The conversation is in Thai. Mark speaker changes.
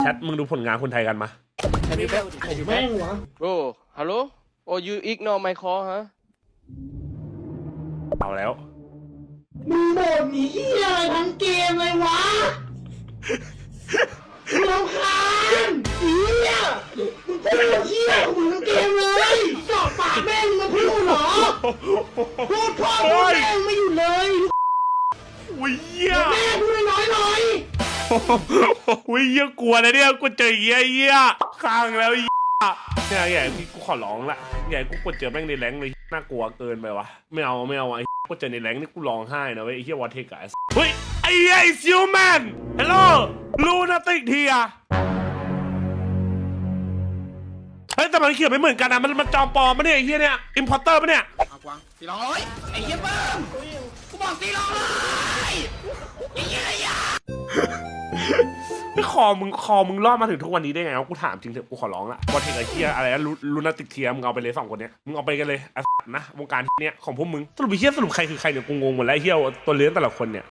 Speaker 1: แชทมึงดูผลงานคนไทยกันมา
Speaker 2: แม่งวะ
Speaker 3: Bro, hello? Oh, you ignore my call, huh?
Speaker 1: เอาแล้ว
Speaker 2: มึงบ่นเหี้ยอะไรทั้งเกมเลยวะมึงรำคาญเหี้ยมึงพูดเหี้ยของมึงทั้งเกมเลยจอดปากแม่งมาพูดเหรอพูดพ่อพูดแม่งไม่หยุดเลย
Speaker 1: อุ้ยเหี้ย
Speaker 2: แม่พูดน้อยหน่อย
Speaker 1: อุ้ยเหี้ยกลัวนะเนี่ยกูเจอเหี้ยข้างแล้วเหี้ยเนี่ยใหญ่พี่กูขอร้องละใหญ่กูกดเจอแม่งในแรงเลยน่ากลัวเกินไปวะไม่เอาไอ้กูเจอในแรงนี่กูร้องไห้นะเว้ยไอ้เหี้ยวอเทกะเฮ้ยไอ้ซิลแมนฮัลโหลลูนาติกเทียเฮ้ยแต่มันเขียนไม่เหมือนกันนะมันจอมปลอมปะเนี่ยไอ้เหี้ยเนี่ยอิมพอร์เตอร์ปะเนี่ย
Speaker 4: เอากวาง400ไอ้เหี้ยเบิ้มกูบอก400ไอ้เหี้ยยา
Speaker 1: ไม่คอมึงรอดมาถึงทุกวันนี้ได้ไงวะกูถามจริงเถอะกูขอร้องละวอเทกไอ้เหี้ยอะไรนะลูนาติกเทียมึงเอาไปเลย2 คนเนี้ยมึงเอาไปกันเลยนะวงการเนี้ยของพวกมึงสรุปไอ้เหี้ยสรุปใครคือใครเนี่ยกูงงหมดแล้วไอ้เหี้ยตัวเลี้ยงแต่ละคนเนี่ย